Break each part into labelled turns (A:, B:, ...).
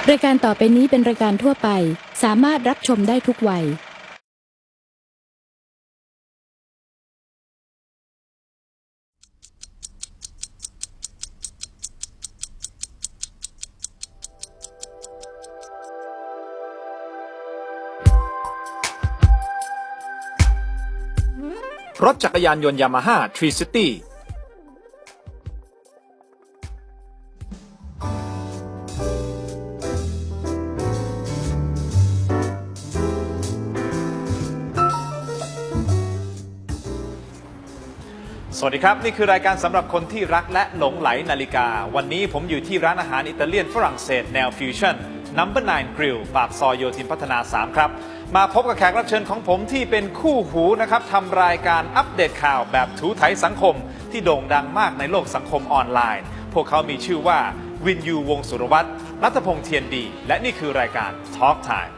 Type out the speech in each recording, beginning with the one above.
A: รายการต่อไปนี้เป็นรายการทั่วไปสามารถรับชมได้ทุกวัย
B: รถจักรยานยนต์ยามาฮ่าทรีซิตี้สวัสดีครับนี่คือรายการสำหรับคนที่รักและหลงไหลนาฬิกาวันนี้ผมอยู่ที่ร้านอาหารอิตาเลียนฝรั่งเศสแนวฟิวชั่น No. 9 Grill ปากซอยโยธินพัฒนา 3 ครับมาพบกับแขกรับเชิญของผมที่เป็นคู่หูนะครับทำรายการอัปเดตข่าวแบบถูไถสังคมที่โด่งดังมากในโลกสังคมออนไลน์พวกเขามีชื่อว่าวินยูวงศ์สุรวัตรรัฐพงษ์เทียนดีและนี่คือรายการ Talk Time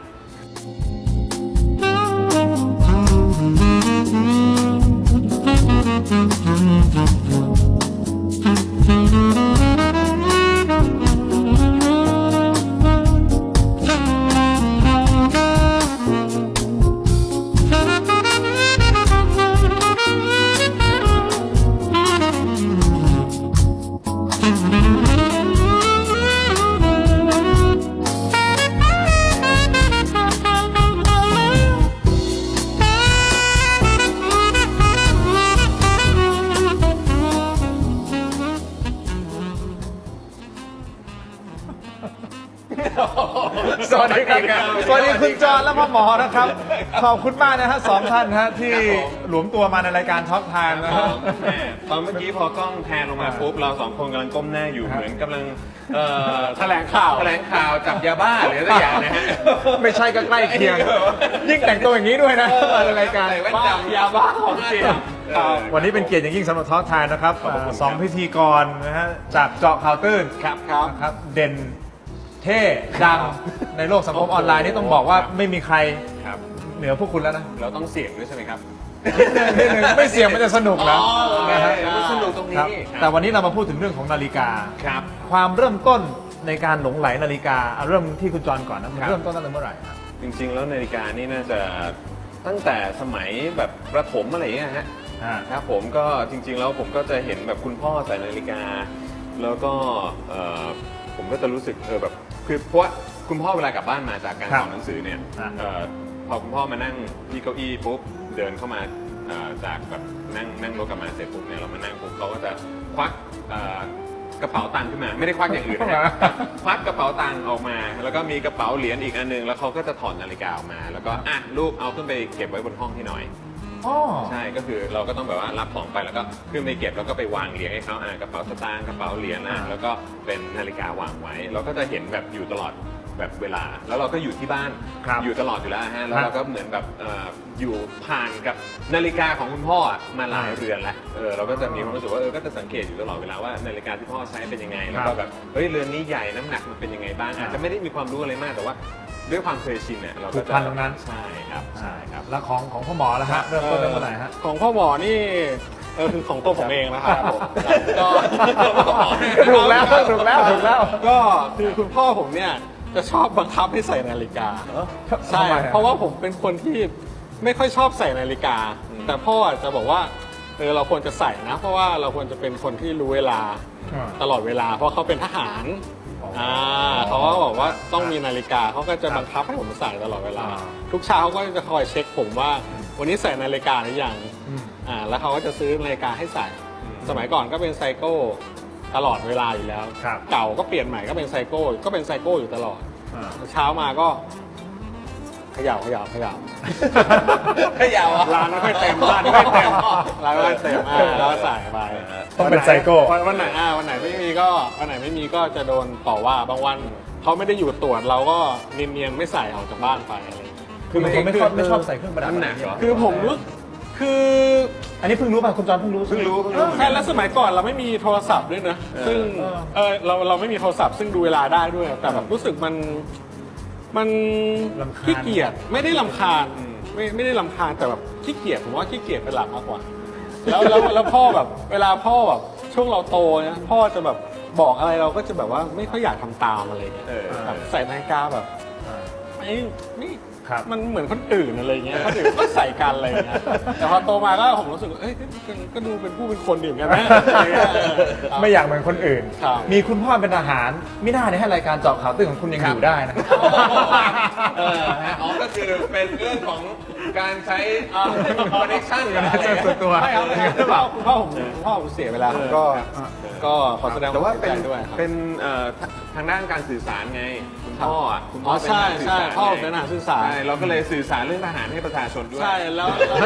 B: สวัสดีครับสวัสดีคุณจอห์นและพ่อหมอนะครับขอบคุณมากนะฮะสองท่านฮะที่หลวมตัวมาในรายการท็อปไทม์นะฮะ
C: ตอนเมื่อกี้พอกล้องแพนลงมาปุ๊บเราสองคนกำลังก้มหน้าอยู่เหมือนกำลังแถลงข่าวจับยาบ้าหรืออะไรอย่างนะฮะ
B: ไม่ใช่ก็ใกล้เคียงยิ่งแต่งตัวอย่างนี้ด้วยนะในรายการ
C: ใส่แว่นดำยาบ้าของจริง
B: วันนี้เป็นเกียรติอย่างยิ่งสำหรับท็อปไทม์นะครับสองพิธีกรนะฮะจากเจาะข่าวตื้นครับเด่นเท่ดังในโลกสังคมออนไลน์นี่ต้องบอกว่าไม่มีใครเหนือพวกคุณแล้วนะ
C: เราต้องเสี่ยงด้วยใช่ไหมครับ
B: นิดนึงไม่เสี่ยงมันจะสนุกนะนะฮะ
C: มันสนุกตรงนี้
B: แต่วันนี้เรามาพูดถึงเรื่องของนาฬิกา
C: ครับ
B: ความเริ่มต้นในการหลงไหลนาฬิกาเอาเริ่มที่คุณจรก่อนนะมันเริ่มต้นตั้งแต่เมื่อไหร่ครับ
C: จริงๆแล้วนาฬิกานี่น่าจะตั้งแต่สมัยแบบประถมอะไรอย่างเงี้ยฮะครับผมก็จริงๆแล้วผมก็จะเห็นแบบคุณพ่อใส่นาฬิกาแล้วก็ผมก็จะรู้สึกแบบคือเพราะว่าคุณพ่อเวลากลับบ้านมาจากการสอนหนังสือเนี่ยพอคุณพ่อมานั่งที่เก้าอี้ปุ๊บเดินเข้ามาจากแบบนั่งรถกลับมาเสร็จปุ๊บเนี่ยเรามานั่งปุ๊บเขาก็จะควักกระเป๋าตังค์ขึ้นมาไม่ได้ควักอย่างอื่นนะควักกระเป๋าตังค์ออกมาแล้วก็มีกระเป๋าเหรียญอีกอันนึงแล้วเขาก็จะถอดนาฬิกาออกมาแล้วก็ลูกเอาขึ้นไปเก็บไว้บนห้องที่หน่อยใช่ก็คือเราก็ต้องแบบว่ารับของไปแล้วก็ขึ้นไปเก็บแล้วก็ไปวางเรียงให้เขากระเป๋าสตางค์กระเป๋าเหรียญแล้วก็เป็นนาฬิกาวางไว้เราก็จะเห็นแบบอยู่ตลอดแบบเวลาแล้วเราก็อยู่ที่บ้านอยู่ตลอดอยู่แล้วฮะแล้วเราก็เหมือนแบบอยู่ผ่านกับนาฬิกาของคุณพ่อมาหลายเรือนแล้วเราก็จะมีความรู้สึกว่าก็จะสังเกตอยู่ตลอดเวลาว่านาฬิกาที่พ่อใช้เป็นยังไงแล้วก็แบบเฮ้ยเรือนนี้ใหญ่น้ำหนักมันเป็นยังไงบ้างอาจจะไม่ได้มีความรู้อะไรมากแต่ว่าด้วยความเคยชินเนี่ยเราก็จะ
B: ผูกพันตรงนั้น
C: ใช่ครับ
B: แล้วของพ่อหมอแล้วฮะเริ่มต้นเมื่อไหร่ฮะ
D: ของพ่อหมอนี่คือของตัวผมเองนะครับผมก็
B: ถูกแล้ว
D: ก็คือคุณพ่อผมเนี่ยจะชอบบังคับให้ใส่นาฬิกาใช่เพราะว่าผมเป็นคนที่ไม่ค่อยชอบใส่นาฬิกาแต่พ่อจะบอกว่าเราควรจะใส่นะเพราะว่าเราควรจะเป็นคนที่รู้เวลาตลอดเวลาเพราะเขาเป็นทหารเขาก็บอกว่าต้องมีนาฬิกาเขาก็จะบังคับให้ผมใส่ตลอดเวลาทุกเช้าเขาก็จะคอยเช็คผมว่าวันนี้ใส่นาฬิกาหรือยังแล้วเขาก็จะซื้อนาฬิกาให้ใส่สมัยก่อนก็เป็นไซโก้ตลอดเวลาอยู่แล้วเก่าก็เปลี่ยนใหม่ก็เป็นไซโก้อยู่ตลอดเช้ามาก็เขย่าร้านไม่ค่อยเต็มแล้วใส่ไป
B: ต้องเป็นไซโก้
D: วันไหนไม่มีก็จะโดนต่อว่าบางวันเขาไม่ได้อยู่ตรวจเราก็เนียนๆไม่ใส่ออกจากบ้านไปอะไร
B: คือมันไม่ชอบใส่เครื่องประดับ
D: คือผมรู้คือ
B: อันนี้เพิ่งรู้ป่ะคุณจอนเพิ่งรู้
D: ใช่แล้วสมัยก่อนเราไม่มีโทรศัพท์ด้วยนะซึ่งเราไม่มีโทรศัพท์ซึ่งดูเวลาได้ด้วยแต่แบบรู้สึกมันขี้เกียจไม่ได้รำคาญไม่ได้รำคาญแต่แบบขี้เกียจผมว่าขี้เกียจเป็นหลักมากกว่าแล้วพ่อแบบเวลาพ่อแบบช่วงเราโตเนี่ยพ่อจะแบบบอกอะไรเราก็จะแบบว่าไม่ค่อยอยากทำตามอะไรเงี้ยแบบใส่นาฬิกาแบบนี่
B: ครับ
D: มันเหมือนคนอื่นอะไรเงี้ยคนอื่นก็ใส่กันอะไรเงี้ยแต่พอโตมาก็ผมรู้สึกว่าเอ้ยก็ดูเป็นผู้เป็นคนดีเหมือนกันนะ
B: ไม่อยากเหมือนคนอื่น
D: ครับ
B: มีคุณพ่อเป็นทหารไม่น่าให้รายการเจาะข่าวตื้นของคุณยังอยู่ได้นะ
C: อ๋อก็คือเป็นเรื่องของการใช้คอนเนคชั่นกัน
B: ส่วนตัว
D: ไม่เอาเลยครับคุณพ่อผมเสียเวลาผมก็ขอแสดง
C: แต่ว่า
D: ความ
C: เป็น
D: เสียใจด้วยครับ
C: เป็นทางด้านการสื่อสารไงคุณพ่ออ่ะคุณพ่
D: อ๋อ
C: เป็น
D: ใช่
C: นักสื่อ
D: ใช่
C: สาร
D: พ่อ
C: ไง
D: เป็นทหารสื่อสาร
C: ใช่เราก็เลยสื่อสารเรื่องทหารให้ประชาชนด้วย
D: ใช่แล้ว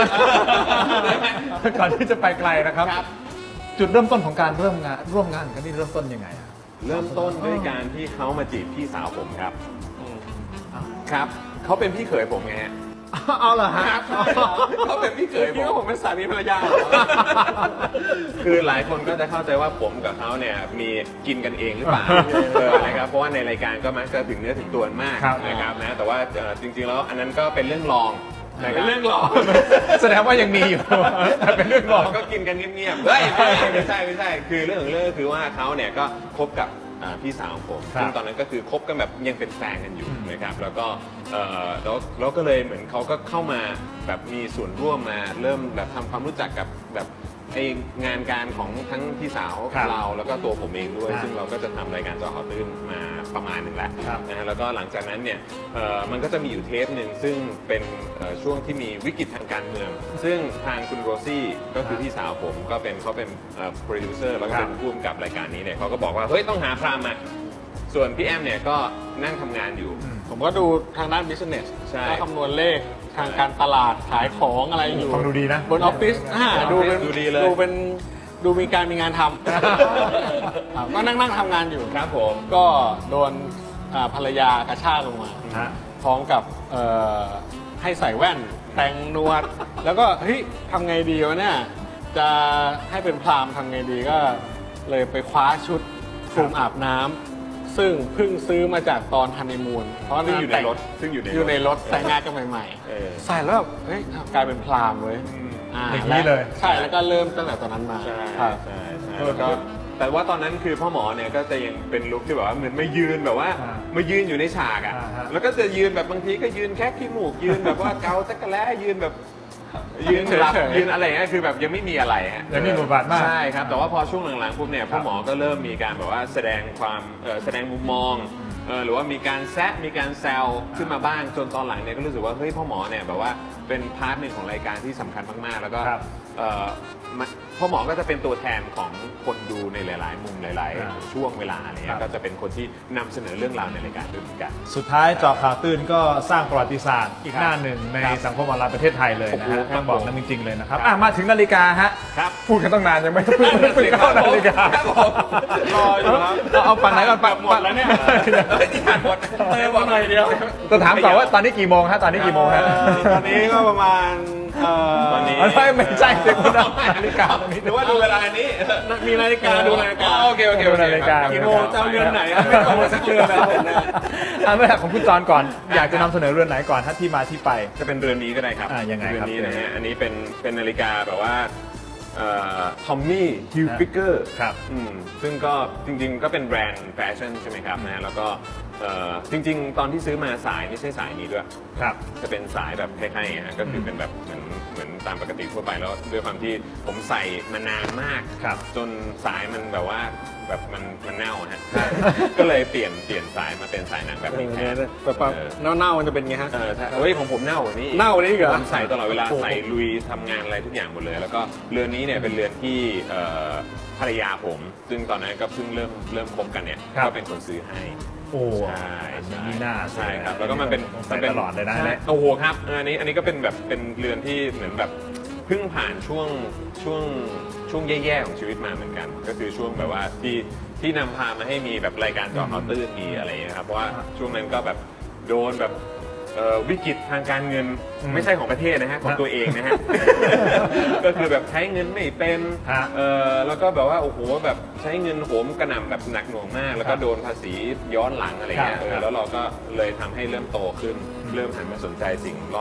B: ก่อนที่จะไปไกลนะครับ
C: ครับ
B: จุดเริ่มต้นของการร่วมงานกันนี่เริ่มต้นยังไงอะ
C: เริ่มต้นด้วยการที่เขามาจีบพี่สาวผมครับครับเขาเป็นพี่เขยผมไงฮะ
B: เอาเหรอฮะ
C: เขาเป็นพี่เขยผ
D: คิด
C: ม
D: ว่าผมเป็นสามีภรรยา
C: คือหลายคนก็จะเข้าใจว่าผมกับเขาเนี่ยมีกินกันเองหรือเปล่านะครับเพราะว่าในรายการก็มักจะถึงเนื้อถึงตัวมาก
B: ครับ
C: นะครับนะแต่ว่าจริงๆแล้วอันนั้นก็เป็นเรื่องรองนะคบ
D: เป็นเรื่องรอง
B: แสดงว่ายังมีอยู่ เป็นเรื่องรอง
C: ก็กินกันเงียบๆเฮ้ยไม่ใช่คือเรื่องของเรื่องก็คือว่าเขาเนี่ยก็คบกับพี่สาวของผม
B: ครับ
C: ซึ่งตอนนั้นก็คือคบกันแบบยังเป็นแฟนกันอยู่นะครับแล้วก็แล้วก็เลยเหมือนเขาก็เข้ามาแบบมีส่วนร่วมมาเริ่มแบบทำความรู้จักกับแบบไองานการของทั้งพี่สาว
B: ครับ
C: เราแล้วก็ตัวผมเองด้วย
B: ครับ
C: ซึ่งเราก็จะทำรายการเจาะข่าวตื้นมาประมาณหนึ่งแล้ว
B: ครับ
C: นะฮะแล้วก็หลังจากนั้นเนี่ยมันก็จะมีอยู่เทปหนึ่งซึ่งเป็นช่วงที่มีวิกฤตทางการเมือง ซึ่งทางคุณโรซี่ก็คือพี่สาวผมก็เป็นเขาเป็นโปรดิวเซอร์แล้วก็เป็นผู้กำกับรายการนี้เนี่ยเขาก็บอกว่าเฮ้ยต้องหาพรามมาส่วนพี่แอมเนี่ยก็นั่งทำงานอยู่
D: ผมก็ดูทางด้าน business
C: ใช่
D: ก็คำนวณเลขทางการตลาดขายของอะไรอยู่
B: ฟังดูดีนะ
D: บนออฟฟิศดูเป็น
C: ดูดีเลย
D: ดูมีการมีงานทำครับก็นั่งทำงานอยู่
C: ครับผม
D: ก็โดนภรรยากระชากลงมา
B: ฮะ
D: พร้อมกับให้ใส่แว่นแต่งหนวด แล้วก็เฮ้ยทำไงดีวะเนี่ยจะให้เป็นพราหมณ์ทำไงดีก็เลยไปคว้าชุดคลุมอาบน้ำซึ่งเพิ่งซื้อมาจากตอนฮันนีมูนเพราะ
C: ซึ่งอยู่ในรถซึ่งอยู่ใน
D: อยู่ในรถแต่งงานกันใหม่
C: เออ
D: ๆ ใส่แล้วแบบเฮ้ยกลายเป็นพราหมณ์เว้ย
B: อย่างนี้เลย
D: ใช่แล้วก็เริ่มตั้งแต่ตอนนั้นมา
C: ใช่
D: ครับ
C: ใช่แล้วก็แต่ว่าตอนนั้นคือพ่อหมอเนี่ยก็จะยังเป็นลุคที่แบบว่าเหมือนมายืนแบบว่า
B: อ่า
C: มายืนอยู่ในฉากอ่ะ
B: อ่าฮะ
C: แล้วก็จะยืนแบบบางทีก็ยืนแค่ขี้มูกยืนแบบว่าเกาจักรแล้ยืนแบบยืนหลับ
D: เฉยๆ
C: ยืนอะไรเงี้ยคือแบบยังไม่มีอะไรฮะ
B: ยังไม่มีบทบาทมาก
C: ใช่ครับแต่ว่าพอช่วงหลังๆปุ๊บเนี่ยพ่อหมอก็เริ่มมีการแบบว่าแสดงความแสดงมุมมองหรือว่ามีการแซะมีการแซวขึ้นมาบ้างจนตอนหลังเนี่ยก็รู้สึกว่าเฮ้ยพ่อหมอเนี่ยแบบว่าเป็นพาร์ทหนึ่งของรายการที่สำคัญมากๆแล้วก็
B: ครับ
C: พ่อหมอก็จะเป็นตัวแทนของคนดูในหลาย ๆ มุมหลาย
B: ครับ
C: ๆ ช่วงเวลาอะไร
B: ครั
C: เงี้
B: บ
C: ยก็จะเป็นคนที่นำเสนอเรื่องราวในรายการด้วยเหมือนกัน
B: สุดท้ายเจาะข่าวตื้นก็สร้างประวัติศาสตร์อีกหน้าหนึ่งในสังคมออนไลน์ประเทศไทยเลยนะฮะ
C: โอ้โหครับ
B: ต้องบอกนั้นจริงๆเลยนะครับมาถึงนาฬิกาฮะ
C: ครับ
B: พูดกันตั้งนานยังไม่เพิ่งเข้านาฬิกา
C: ครับผม
D: รออยู่ครับ
B: เอาฝั่งไหนก่อนฝั่ง
D: หมดแล้วเนี่ย
C: ที่ผ่านหมด
D: เติมมาหน่อยเดียว
B: จะถามต่อว่าตอนนี้กี่โมงฮะตอนนี้กี่โมงฮะ
D: ตอนนี้ก็ประมาณ
C: ตอนนี้
B: ไม่ใช่เดี๋ยวคุณเอานาฬิกาตรงนี้
C: หรือว่าดูเวลานี้
D: มีนาฬิกาดูนาฬิกา
C: โอเค
B: ดูนาฬิกา
D: กี่โมงจะเอาเรือนไหนไม่ต้องมาสักเรือนแล้วผมเนี่ย
B: เมื่อของคุณจอนก่อน อยากจะนำเสนอเรือนไหนก่อนถ้าที่มาที่ไป
C: จะเป็นเรือนนี้ก็ได้ครับ
B: ยังไงครับ
C: เรือนนี้นะฮะอันนี้เป็นนาฬิกาแบบว่าทอมมี่ฮิลฟิกเกอร์
B: ครับ
C: ซึ่งก็จริงๆก็เป็นแบรนด์แฟชั่นใช่ไหมครับนะแล้วก็จริงๆ ตอนที่ซื้อมาสายไม่ใช่สายนี้ด้วย
B: ครับ
C: จะเป็นสายแบบคล้ายๆอย่างเงี้ยก็คือเป็นแบบเหมือนตามปกติทั่วไปแล้วด้วยความที่ผมใส่มานานมาก
B: ครับ
C: จนสายมันแบบว่าแบบมันเน่าฮะ ก็เลยเปลี่ยนสายมาเป็นสายหนังแบบนี้แทน
D: แบบเน่าๆมันจะเป็นไงฮะ
C: ใช่เฮ้ยของผมเน่ากว่านี้
D: เน่ากว่านี้อีกเหรอ
C: ผมใส่ตลอดเวลา
D: โอ้โห
C: ใส่ลุยทำงานอะไรทุกอย่างหมดเลย แล้วก็เรือนนี้เนี่ยเป็นเรือนที่ภรรยาผม ซึ่งตอนนั้นก็เพิ่งเริ่มคบกันเนี่ย
B: ครับ
C: ก็เป็นคนซื้อให้
B: โอ้
C: ใช่
B: มีหน้า
C: ใช่ครับแล้วก็มันเป็น
B: ใส่ตลอดเลยนะ
C: ใช่โอ้โหครับอันนี้ก็เป็นแบบเป็นเรือนที่เหมือนแบบเพิ่งผ่านช่วงแย่ๆของชีวิตมาเหมือนกัน ก็คือช่วงแบบว่าที่นำพามาให้มีแบบรายการเจาะข่าวตื้นมีอะไรอย่างเงี้ยครับเพราะว่าช่วงนั้นก็แบบโดนแบบวิกฤตทางการเงินไม่ใช่ของประเทศนะฮะของตัวเองนะฮะ ก็คือแบบใช้เงินไม่เป็น
B: ฮะ
C: แล้วก็แบบว่าโอ้โหแบบใช้เงินโหมกระหน่ำแบบหนักหน่วงมาก แล้วก็โดนภาษีย้อนหลังอะไรเงี้ย
B: ครับ
C: แล้วเราก็เลยทำให้เริ่มโตขึ้น เริ่มหันมาสนใจสิ่งร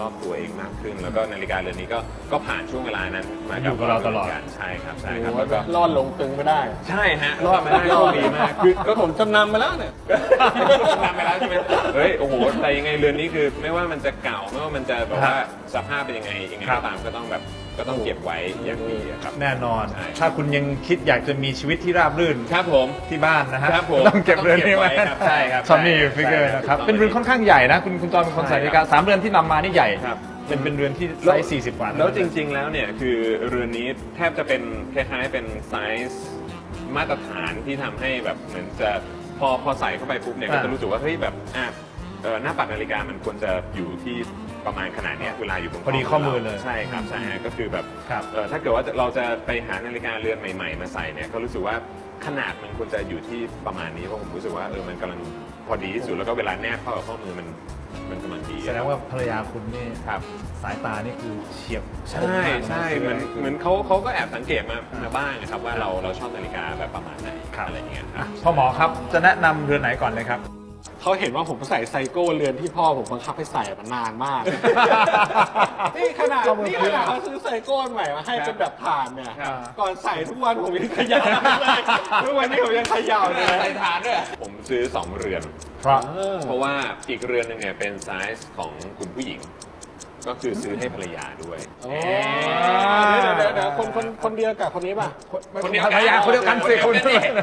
C: รอบตัวเองมากขึ้น แล้วก็นาฬิกาเรือนนี้ก็ผ่านช่วงเวลานั้นมา
B: อยู่กับเราตลอด
C: ใช่ครับใช่ครับแล้วก็
D: รอดลงตึงไม่ได้
C: ใช่ฮะรอดมาได้โชคดีมาก
D: คือก็ผมจำนำมาแล้วเนี่ย
C: ทำไปแล้วใช่ไหมเฮ้ยโอ้โหแต่ยังไงเรือนนี้คือไม่ว่ามันจะเก่าไม่ว่ามันจะแบบว่าสภาพเป็นยังไงก็ตามก็ต้องเก็บไว้อย่างดีอะครับ
B: แน่นอน
C: ใช่
B: ถ้าคุณยังคิดอยากจะมีชีวิตที่ราบรื่น
C: ครับผม
B: ที่บ้านนะฮะ
C: ครับผม
B: ต้องเก็บเรือนนี้ไว้
C: ครับใช่ครับ
B: ซอนนี่ฟิกเกอร์
C: ใช่
B: นะครับ
C: ต้อง
B: เป็นเรือนค่อนข้างใหญ่นะคุณจอห์นเป็นคนใส่นาฬิกา3 เรือนที่นำมานี่ใหญ่
C: ครับ
B: เป็นเรือนที่ไซส์40 กว่า
C: แล้วจริงๆแล้วเนี่ยคือเรือนนี้แทบจะเป็นคล้ายๆเป็นไซส์มาตรฐานที่ทำให้แบบเหมือนจะพอใส่เข้าไปปุ๊บเนี่ยก็จะรู้สึกว่าเฮ้ยแบบหน้าปัดนาฬิกามันควรจะอยู่ที่ประมาณขนาดเนี้ยเวลาอยู่บน
B: พอดีข้อมือเลย
C: ใช่ครับใช่ฮะก็คือแบบ
B: ครับ
C: ถ้าเกิดว่าเราจะไปหานาฬิกาเรือนใหม่ ๆ มาใส่เนี่ยก็รู้สึกว่าขนาดมันควรจะอยู่ที่ประมาณนี้เพราะผมรู้สึกว่ามันกำลังพอดีที่สุดแล้วก็เวลาแนบเข้ากับข้อมือมันกำลังดี
B: แสดงว่าภรรยาคุณนี่
C: ครับ
B: สายตานี่คือเฉียบคม
C: ใช่
B: มาก
C: ใช่เหมือนเขาก็แอบสังเกตมาบ้างนะครับว่าเราชอบนาฬิกาแบบประมาณไหนอะไรอย่างเงี้ยครับ
B: พ่อหมอครับจะแนะนำเรือนไหนก่อนเลยครับ
D: เขาเห็นว่าผมใส่ไซโก้เรือนที่พ่อผมบังคับให้ใส่มานานมาก นี่ขนาดเขาซื้อไซโก้ใหม่มาให้เป็นแบบผ่านเนี่ย
C: ครับ
D: ก่อนใส่ทุกวันผมยังเขย่าเลยทุกวันนี้ผมยังเขย่าเลย
C: ใส่ฐานด้วยผมซื้อ2 เรือน เพราะว่าอีกเรือนหนึงเนี่ยเป็นไซส์ของคุณผู้หญิง ก็คือซื้อให้ภรรยาด้วย
D: โอ้เดี๋ยวคนเดียวกับคนนี้ป่ะ
C: คนเดียว
B: ภรรยาคนเดียวกันสิคุณ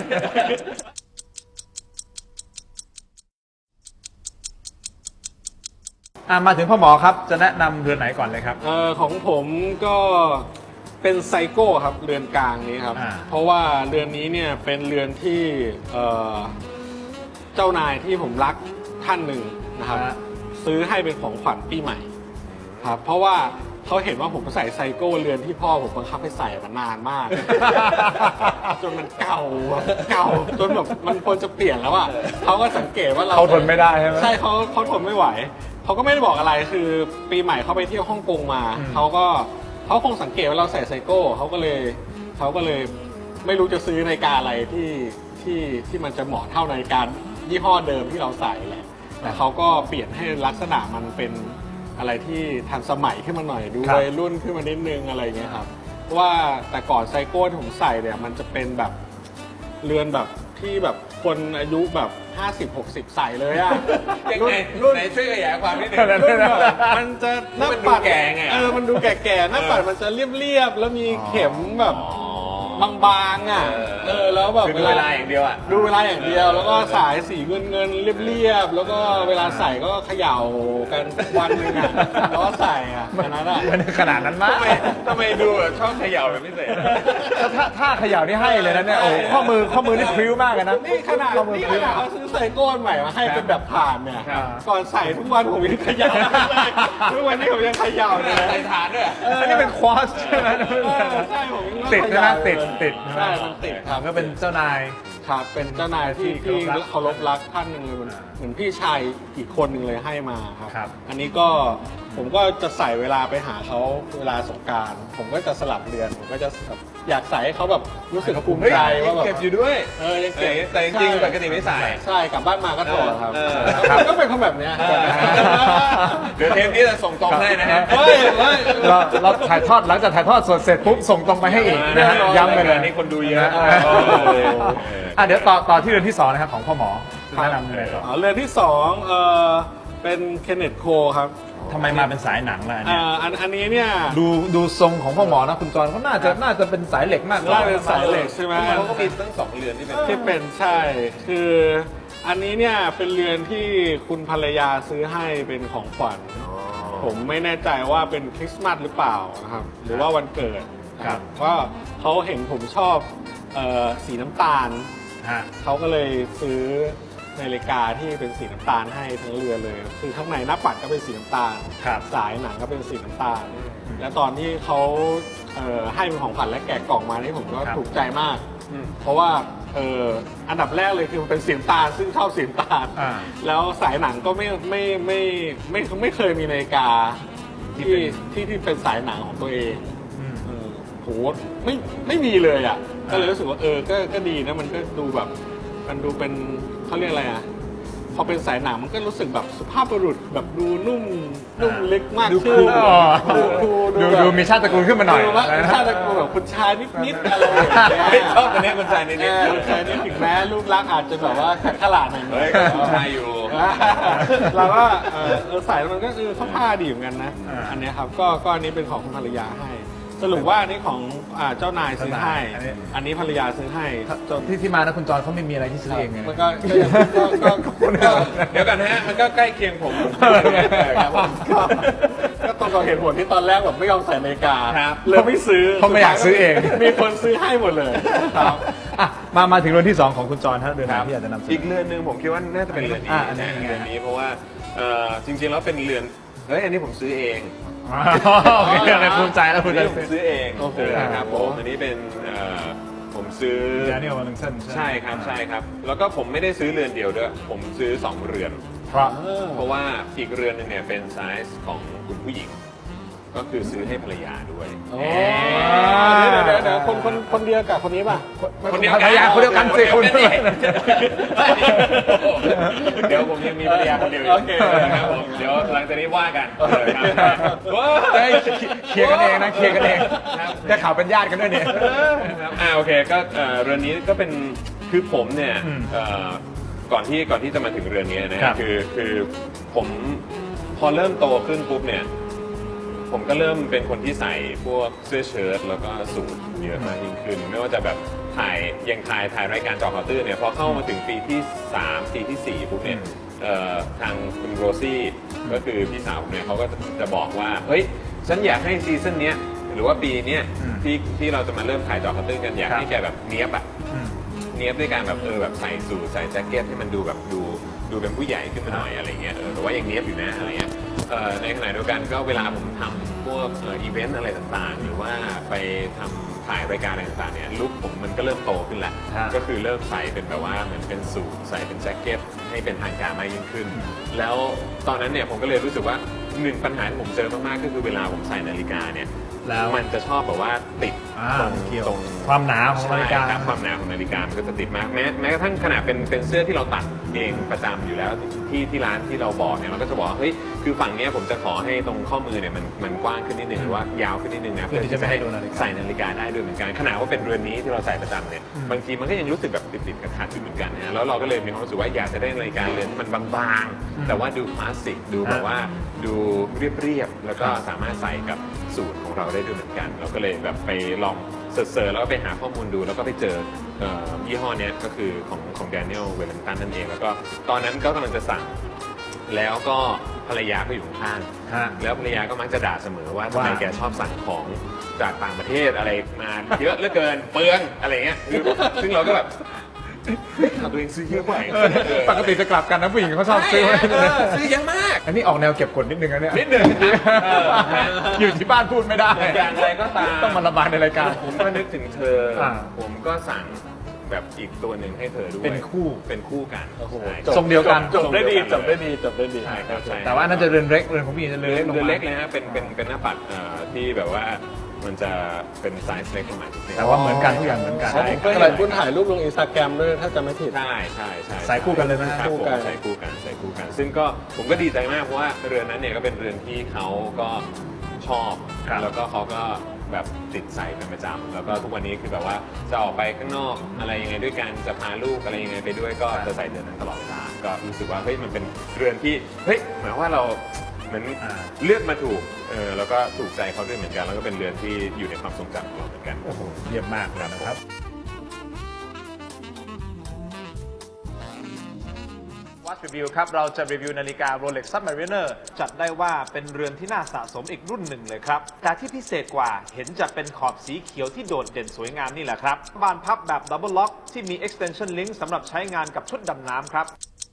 B: มาถึงพ่อหมอครับจะแนะนำเรือนไหนก่อนเลยครับ
D: ของผมก็เป็นไซโก้ครับเรือนกลางนี้ครับ เพราะว่าเรือนนี้เนี่ยเป็นเรือนที่เจ้านายที่ผมรักท่านหนึ่งนะครับ ซื้อให้เป็นของขวัญปีใหม่ครับเพราะว่าเขาเห็นว่าผมใส่ไซโก้เรือนที่พ่อผมบังคับให้ใส่มานานมาก จนมันเก่าจนแบบมันควรจะเปลี่ยนแล้วอ่ะเขาก็สังเกตว่าเรา
B: เขาทนไม่ได้ใช่ไหม
D: ใช่เขาทนไม่ไหวเขาก็ไม่ได้บอกอะไรคือปีใหม่เขาไปเที่ยวฮ่องกงมาเขาคงสังเกตว่าเราใส่ไซโก้เขาก็เลยไม่รู้จะซื้อนาฬิกาอะไรที่มันจะเหมาะเท่านาฬิกายี่ห้อเดิมที่เราใส่แหละแต่เขาก็เปลี่ยนให้ลักษณะมันเป็นอะไรที่ทันสมัยขึ้นมาหน่อยดูวัยรุ่นขึ้นมานิดนึงอะไรเงี้ยครับว่าแต่ก่อนไซโก้ที่ผมใส่เนี่ยมันจะเป็นแบบเรือนแบบที่แบบคนอายุแบบ50-60 ใส่เลยอะ
C: ยังไงไหนช่วยขยายความนิดนึง
D: รุ่นแบบมันจะหน้าปัด
C: มันดูแก่ไง
D: มันดูแก่ๆหน้าปัดมันจะเรียบๆแล้วมีเข็มแบบบางๆอ่ะแล้วแบบ
C: คือดูเวลาอย่างเดียวอ่ะ
D: ดูเวลาอย่างเดียวแล้วก็สายสีเงินเรียบๆแล้วก็เวลาใส่ก็เขย่ากันวันหนึงอ่ะแล้วก็ใส่อ่ะอันนั้นอ่ะ
B: มันขนาดนั้นมาก
C: ทำไมดูแบบชอบเขย่าเป็นพิเศษ
B: ถ้าเขย่านี่ให้เลยนะเนี่ยโอ้ข้อมือนี่พริ้วมากเลยนะ
D: นี่ขนาดเขาซื้อไซโก้ใหม่มาให้เป็นแบบผ่านเนี่ย
C: ครับ
D: ก่อนใส่ทุกวันผมยังเขย่าเลยทุกวันนี้ผมยังเขย่าเลย
C: ใส่ฐานด้วย
B: อันนี้เป็นควอสใช่ไหม
D: ใช่ผมยัง
B: ติดนะติด
D: ใช่มันติดครับ
B: ก็เป็นเจ้านาย
D: ครับเป็นเจ้านายที่เคารพรักท่านหนึ่งเลยเหมือนพี่ชายอีกคนหนึ่งเลยให้มาครับ
B: ครับ
D: อันนี้ก็ผมก็จะใส่เวลาไปหาเขาเวลาสงกรานต์ผมก็จะสลับเรือนผมก็จะแบบอยากใส่ให้เขาแบบรู้สึกภูมิใจว่าแบบ
C: เก็บอยู่ด้วย
D: ยังเก็บ
C: แต่จริงๆปกติไม่ใส่
D: ใช่กลับบ้านมาก็ถอดครับ
B: ครับ
D: ก็เป็นคนแบบเนี้ย
C: เดี๋ยวเทปนี้จะส่งตรงให้นะฮะ
D: เฮ้ย
B: เราถ่ายทอดหลังจากถ่ายทอดสดเสร็จปุ๊บส่งตรงไปให้อีกนะฮะย้ำไปเลย
C: นี่คนดูเยอะ
B: เดี๋ยวต่อที่เรือนที่2นะครับของพ่อหมอแนะนำเลยต่อ
D: เรือนที่สองเป็นเคนเนตโคครับ
B: ทำไมมาเป็นสายหนังล่ะเนี่ย
D: อันนี้เนี่ย
B: ดูทรงของพ่อหมอนะคุณจรเขาน่าจะเป็นสายเหล็กมากกว่า
D: น่าเป็นสายเหล็กใช่ไหม
C: เขาก็มีตั้ง2 เรือนที่เป็น
D: ที่เป็นใช่คืออันนี้เนี่ยเป็นเรือนที่คุณภรรยาซื้อให้เป็นของขวัญผมไม่แน่ใจว่าเป็นคริสต์มาสหรือเปล่านะครับหรือว่าวันเกิดนะครับว่าเขาเห็นผมชอบสีน้ำตาล
B: ฮะ
D: เขาก็เลยซื้อนาฬิกาที่เป็นสีน้ำตาลให้ทั้งเรือนเลย คือข้างในหน้าปัดก็เป็นสีน้ำตาล
B: ครับ
D: สายหนังก็เป็นสีน้ำตาล และตอนที่เขาให้เป็นของขวัญและแกะกล่องมานี่ผมก็
B: ครับ
D: ถูกใจมาก เพราะว่าอันดับแรกเลยคือมันเป็นสีน้ำตาลซึ่งชอบสีน้ำตาล แล้วสายหนังก็ไม่เคยมีนาฬิกาที่เป็นสายหนังของตัวเองโหไม่มีเลยอ่ะก็เลยรู้สึกว่าก็ดีนะมันก็ดูแบบมันดูเป็นเขาเรียกอะไรอ่ะพอเป็นสายหนังมันก็รู้สึกแบบสุภาพบุรุษแบบดูนุ่มลึกมาก
B: ดู
D: ขึ้น
B: ดูมีชาติตระกูลขึ้นมาหน่อย
D: ดูว่าชาติตระกูลแบบคุณชายนิดๆอะไรอย่างเงี้ย
C: ชอบตัวนี้คุณชายนิด
D: คุณชายนี่ถึงแม้รูปลักษณ์อาจจะแบบว่าขัดขลาดหน่อย
C: เฮ้ยคุณชายอยู่
D: เราก็ใส่แล้วมันก็เข้าท่าดีเหมือนกันนะอันเนี้ยครับก็อันนี้เป็นของคุณภรรยาให้ สรุปว่าอันนี้ของเจ้านายซื้อให้ อันนี้ภรรยาซื้อให้จน
B: ที่มานะคุณจอนเขาไม่มีอะไรที่ซื้อเองไง
D: มันก็เดี๋ยวกันนะฮะมันก็ใกล้เคียงผมครับผมก็ตรงกับเหตุผลที่ตอนแรกแบบไม่ยอมใส่นาฬิกาเลยไม่ซื้อ
B: เพราะไม่อยากซื้อเอง
D: มีคนซื้อให้หมดเลยครับ
B: มาถึงเรือนที่ 2 ของคุณจอนฮะเรือนไหนที่อยากจะนำเสน
C: อีก
B: อ
C: เรือนหนึ่งผมคิดว่าน่าจะเป็นเรือนนี้
B: อันนี้
C: นะเรือนนี้เพราะว่าจริงๆแล้วเป็นเรือนอันนี้ผมซื้อเอง
B: โอเคอะไรภูมิใจแล้ว
C: อั
B: คุ
C: น
B: ณ
C: นี้
B: จะ
C: ผมซื้อเองนะครับผมอันนี้เป็นผมซื้อ
B: แดเนียลวอลลิงตัน
C: ใช่ครับแล้วก็ผมไม่ได้ซื้อเรือนเดียวด้วยผมซื้อ2เรือน เพราะว่าอีกเรือนหนึงเนี่ยเป็นไซส์ของคุณผู้หญิง ก็คือซื้อให้ภรรยาด้วย
D: เดี๋ยวคนเดียวกับคนนี้ป่ะ
C: คนเดียว
B: ภรรยาคนเดียวกันสิคุณ
C: เดี๋ยวผมยังมีภรรยาคนเดียวอยู่นะครับผมเดี๋ยวหลังจากนี้ว่ากัน
B: เคลียร์กันเองนะเคลียร์กันเองได้ข่าวเป็นญาติกันด้วยเนี่ย
C: โอเคก็เรือนนี้ก็เป็นคือผมเนี่ยก่อนที่จะมาถึงเรือนนี้นะคือผมพอเริ่มโตขึ้นปุ๊บเนี่ยผมก็เริ่มเป็นคนที่ใส่พวกเสื้อเชิ้ตแล้วก็สูทเยอะมากยิ่งขึ้นไม่ว่าจะแบบถ่ายรายการจอข่าวตื้นเนี่ยพอเข้ามาถึงปีที่3ปีที่4ปุ๊บเนี่ยทางคุณโรซี่ก็คือพี่สาวผมเนี่ยเขาก็จะบอกว่าเฮ้ยฉันอยากให้ซีซั่นเนี้ยหรือว่าปีเนี้ยที่เราจะมาเริ่มถ่ายจอข่าวตื้นกันอยากให้แกแบบเนี้ยบอะเนี้ยบด้วยการแบบแบบใส่สูทใส่แจ็คเก็ตให้มันดูแบบดูเป็นผู้ใหญ่ขึ้นมาหน่อยอะไรเงี้ยแต่ว่ายังเนี้ยบอยู่นะอะไรเงี้ยในขณะเดียวกันก็เวลาผมทำพวกอีเวนต์อะไรต่างๆหรือว่าไปทำถ่ายรายการอะไรต่างๆเนี่ยลุคผมมันก็เริ่มโตขึ้นแล้วก็คือเริ่มใส่เป็นแบบว่าเหมือนเป็นสูทใส่เป็นแจ็คเก็ตให้เป็นทางการมากยิ่งขึ้นแล้วตอนนั้นเนี่ยผมก็เลยรู้สึกว่า1ปัญหาที่ผมเจอมากๆก็คือเวลาผมใส่นาฬิกาเนี่ยแล้วมันจะชอบแบบว่าติดตรง
B: ความหนาของนาฬิกา
C: ความหนาของนาฬิกามันก็จะติดมากแม้กระทั่งขนาดเป็นเสื้อที่เราตัดเองประจำอยู่แล้วที่ร้านที่เราบอกเนี่ยเราก็จะบอกเฮ้ยคือฝั่งเนี้ยผมจะขอให้ตรงข้อมือเนี่ยมันกว้างขึ้นนิดนึงหรือว่ายาวขึ้นนิดนึงนะเพื่อที่จะให้ใส่นาฬิกาได้ด้วยเหมือนกันขนาดว่าเป็นเรือนนี้ที่เราใส่ประจำเนี่ยบางทีมันก็ยังรู้สึกแบบติดๆขัดๆอยู่เหมือนกันนะแล้วเราก็เลยมีความรู้สึกว่าอยากจะได้นาฬิกาเรือนที่มันบางๆแต่ว่าดูคลาสสิกดูแบบว่าดูเรียบๆแล้วก็สามารถใส่กับสูทของเราได้ด้วยเหมือนกันเราก็เลยแบบไปลองเสิร์ชแล้วก็ไปหาข้อมูลดูแล้วก็ไปเจอยี่ห้อเนี้ยก็คือของ Daniel Wellington นั่นเองแล้วก็ตอนนั้นก็กำลังจะสั่งแล้วก็ภรรยาก็อยู่ข้างๆแล้วภรรยาก็มักจะด่าเสมอว่าทำไมแกชอบสั่งของจากต่างประเทศอะไรมาเยอะเหลือเกินเปลืองอะไรเงี้ยซึ่งเราก็แบบตัวเองซื้อเยอะกว่า
B: ปกติจะกลับกันนะผู้หญิงเขาชอบซื้อ
C: ซื้อเยอะมาก
B: อันนี้ออกแนวเก็บกดนิดนึงนะเนี่ย
C: นิดนึง
B: อยู่ที่บ้านพูดไม่ได้
C: อย่างไรก็ตาม
B: ต้องมาระบายในรายการ
C: ผมก็นึกถึงเธอผมก็สั่งแบบอีกตัวหนึ่งให้เธอด้วยเป็นคู่กัน
B: ทรงเดียวกัน
D: จบได้ดี
C: ใช่ครับใช่
B: แต่ว่าน่าจะเรือนเล็กเรือนของพี่จะเรือนเล็กลง
C: เรือน
B: มา
C: เล็กเลยฮะเป็นหน้าปัดที่แบบว่ามันจะเป็นไซส์เล็กลงมานิดนึง
B: แต่ว่าเหมือนกันทุกอย่างเหมือนกัน
D: ก็เห็นคุณถ่ายรูปลงอินสตาแกรมด้วยถ้าจะไม่ผิด
C: ใช่
B: สายคู่กันเลยนะ
C: ครับผมใส่คู่กันซึ่งก็ผมก็ดีใจมากเพราะว่าเรือนนั้นเนี่ยก็เป็นเรือนที่เขาก็ชอบแล้วก็เขาก็แบบติดใส่เป็นประจำแล้วก็ทุกวันนี้คือแบบว่าจะออกไปข้างนอกอะไรยังไงด้วยกันจะพาลูกอะไรยังไงไปด้วยก็จะใส่เรือนนั้นตลอดเวลาก็รู้สึกว่าเฮ้ยมันเป็นเรือนที่เฮ้ยหมายว่าเราเหมือนเลือกมาถูกแล้วก็ถูกใจเขาด้วยเหมือนกันแล้วก็เป็นเรือนที่อยู่ในความทรงจำของเราเหมือนกัน
B: โอ้โหเยี่ยมมากนะครับWatch Review ครับเราจะรีวิวนาฬิกา Rolex Submariner จัดได้ว่าเป็นเรือนที่น่าสะสมอีกรุ่นหนึ่งเลยครับแต่ที่พิเศษกว่าเห็นจะเป็นขอบสีเขียวที่โดดเด่นสวยงามนี่แหละครับบานพับแบบ Double Lock ที่มี Extension Link สำหรับใช้งานกับชุดดำน้ำครับ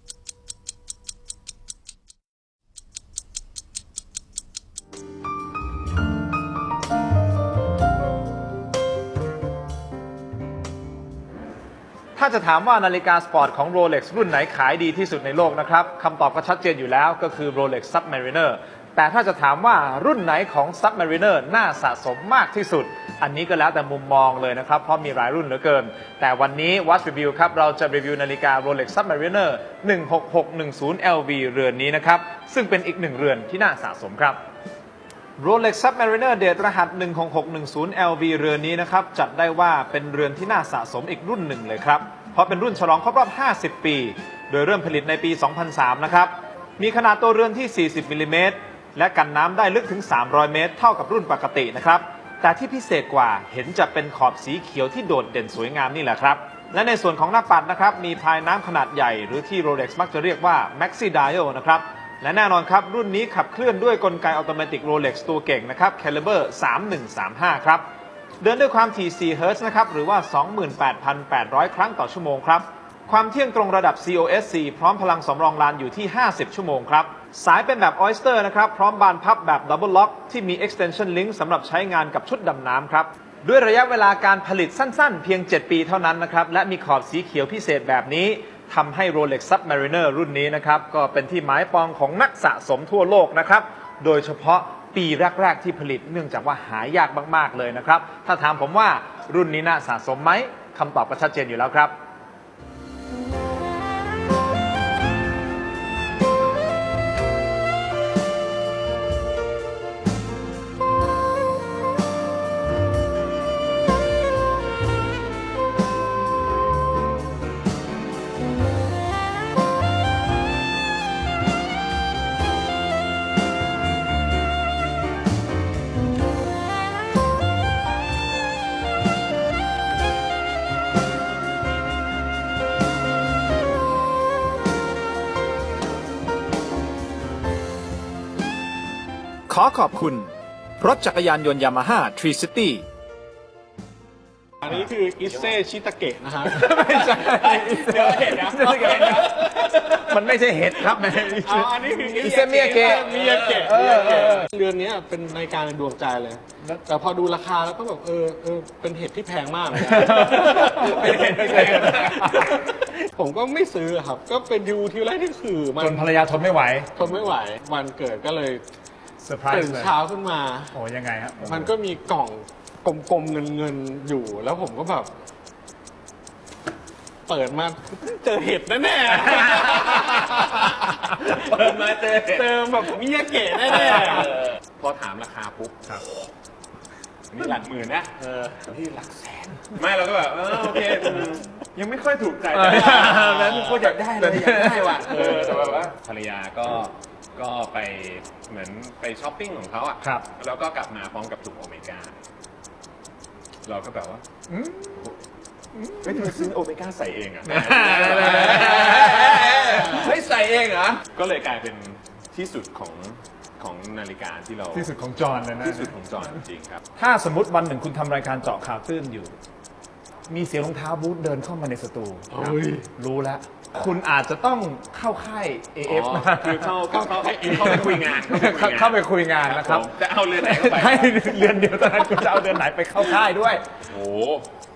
B: ถ้าจะถามว่านาฬิกาสปอร์ตของ Rolex รุ่นไหนขายดีที่สุดในโลกนะครับคำตอบก็ชัดเจนอยู่แล้วก็คือ Rolex Submariner แต่ถ้าจะถามว่ารุ่นไหนของ Submariner น่าสะสมมากที่สุด อันนี้ก็แล้วแต่มุมมองเลยนะครับ เพราะมีหลายรุ่นเหลือเกิน แต่วันนี้ Watch Review ครับ เราจะรีวิวนาฬิกา Rolex Submariner 16610 LV เรือนนี้นะครับ ซึ่งเป็นอีกหนึ่งเรือนที่น่าสะสมครับ Rolex Submariner เดทรหัส 16610 LV เรือนนี้นะครับ จัดได้ว่าเป็นเรือนที่น่าสะสมอีกรุ่นหนึ่งเลยครับ เพราะเป็นรุ่นฉลองครบรอบ 50 ปี โดยเริ่มผลิตในปี 2003 นะครับ มีขนาดตัวเรือนที่ 40 มิลลิเมตร และกันน้ำได้ลึกถึง 300 เมตร เท่ากับรุ่นปกตินะครับ แต่ที่พิเศษกว่าเห็นจะเป็นขอบสีเขียวที่โดดเด่นสวยงามนี่แหละครับ และในส่วนของหน้าปัดนะครับ มีพายน้ำขนาดใหญ่หรือที่ Rolex มักจะเรียกว่า Maxi Dial นะครับ และแน่นอนครับรุ่นนี้ขับเคลื่อนด้วยกลไกอัตโนมัติ Rolex ตัวเก่งนะครับ Caliber 3135 ครับ เดินด้วยความถี่ 4 เฮิร์ตซ์นะครับ หรือว่า 28,800 ครั้งต่อชั่วโมงครับ ความเที่ยงตรงระดับ COSC พร้อมพลังสำรองลานอยู่ที่ 50 ชั่วโมงครับ สายเป็นแบบ Oyster นะครับ พร้อมบานพับแบบ Double Lock ที่มี Extension Link สำหรับใช้งานกับชุดดำน้ำครับ ด้วยระยะเวลาการผลิตสั้นๆ เพียง 7 ปีเท่านั้นนะครับ และมีขอบสีเขียวพิเศษแบบนี้ทำให้ Rolex Submariner รุ่นนี้นะครับ ก็เป็นที่หมายปองของนักสะสมทั่วโลกนะครับ โดยเฉพาะปีแรก ๆ ที่ผลิตเนื่องจากว่าหายากมากๆเลยนะครับ ถ้าถามผมว่ารุ่นนี้น่าสะสมไหมคำตอบก็ชัดเจนอยู่แล้วครับ ขอขอบคุณ รถจักรยานยนต์ยามาฮ่าทรีซิตี้
D: อันนี้คืออิเซชิตาเกะนะฮะ
B: ไม่ใช่
D: เดี๋ยวเห็นนะ
B: มันไม่ใช่เห็ดครับ
D: เอาอันนี้คือ
B: อิเซมิยาเกะ
D: มิยาเกะเรือนนี้เป็นนาฬิกาในดวงใจเลย แต่พอดูราคาแล้วก็แบบเป็นเห็ดที่แพงมากเลย
B: เป็นเห็ดที่แพง
D: ผมก็ไม่ซื้อครับ ก็เป็นดูทีแรกที่คือมัน
B: จนภรรยาทนไม่ไหว
D: ทนไม่ไหววันเกิดก็เลย
B: เซอร์ไพร
D: ตื่น
B: ส์เลย
D: เช้าขึ้นมา
B: โอ้ยังไงครับ
D: มันก็มีกล่องกลมๆเงินๆอยู่ แล้วผมก็แบบ เปิดมาเจอเห็ดแน่ๆ
C: เปิดมาเจอ
D: เจอแบบมิยาเกะแน่
C: พอถามราคาปุ๊บครับนี่หลักหมื่นนะที่หลักแสน ไม่เราก็แบบโอเคยังไม่ค่อยถูกใจนั้นโคตรอยากได้เลยอยากได้ว่ะแต่แบบว่าภรรยาก็ไปเหมือนไปช้อปปิ้งของเขาอ่ะ
B: ครับ
C: แล้วก็กลับมาพร้อมกับถุงโอเมก้าเราก็แบบว่าไม่ทำไมซื้อโอเมก้าใส่เองอ่ะไม่ใส่เองเหรอก็เลยกลายเป็นที่สุดของนาฬิกาที่เรา
B: ที่สุดของจอห์นเลยนะ
C: ที่สุดของจอห์นจริงครับ
B: ถ้าสมมติวันหนึ่งคุณทำรายการเจาะข่าวตื้นอยู่ มีเสียงรองเท้าบูธเดินเข้ามาในสตู
D: ๆโอ้ย
B: รู้แล้ว คุณอาจจะต้องเข้าค่าย AF
C: อ๋อคือเข้าไปคุยงาน
B: เข้าไปคุยงานนะครับ
C: จะเอาเรือนไหนเข้าไป
B: ให้เรือนเดียวเท่านั้นคุณจะเอาเรือนไหนไปเข้าค่ายด้วย
C: โอ้